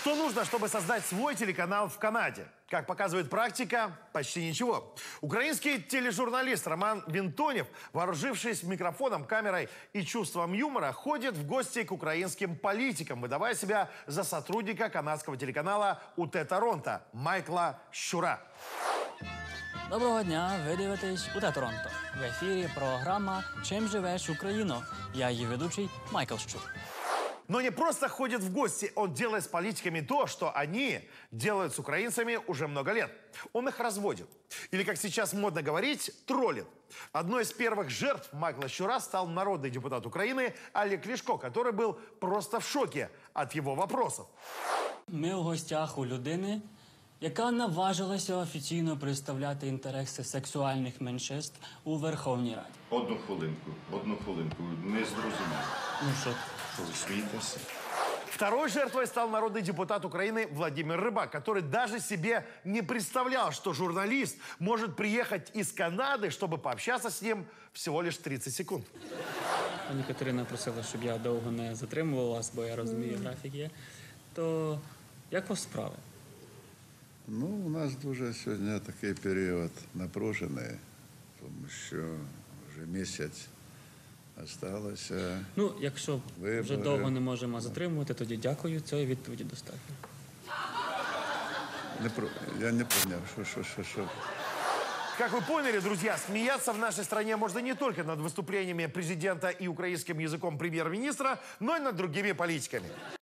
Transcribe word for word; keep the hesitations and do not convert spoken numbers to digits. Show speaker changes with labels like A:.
A: Что нужно, чтобы создать свой телеканал в Канаде? Как показывает практика, почти ничего. Украинский тележурналист Роман Винтонев, вооружившись микрофоном, камерой и чувством юмора, ходит в гости к украинским политикам, выдавая себя за сотрудника канадского телеканала УТ Торонто Майкла Щура.
B: Доброго дня, ви дивитесь УТ Торонто. В ефірі програма «Чим живеш, Україно?». Я її ведучий Майкл Щур.
A: Но не просто ходит в гости, он делает с политиками то, что они делают с украинцами уже много лет. Он их разводит. Или, как сейчас модно говорить, троллит. Одной из первых жертв Майкла Щура стал народный депутат Украины Олег Ляшко, который был просто в шоке от его вопросов.
B: Ми у гостях у людини, яка наважилася офіційно представляти інтереси сексуальних меншинств у Верховній Раді.
C: Одну хвилинку, одну хвилинку. Не зрозумів.
B: Ну що?
C: Що ви смієтеся?
A: Второй жертвой стал народный депутат Украины Владимир Рыбак, который даже себе не представлял, что журналист может приехать из Канады, чтобы пообщаться с ним всего лишь тридцать секунд.
B: Пані Катерина просила, щоб я довго не затримував вас, бо я розумію, графік є. То як у вас справи?
D: Ну, у нас дуже сьогодні такий період напружений, тому що вже місяць залишилося.
B: Ну, якщо
D: Вибори.
B: вже довго не можемо затримувати, тоді дякую, цієї відповіді достатньо.
D: Не про... Я не поняв, що, що, що, що.
A: Как вы поняли, друзья, смеяться в нашей стране можно не только над выступлениями президента и украинским языком премьер-министра, но и над другими политиками.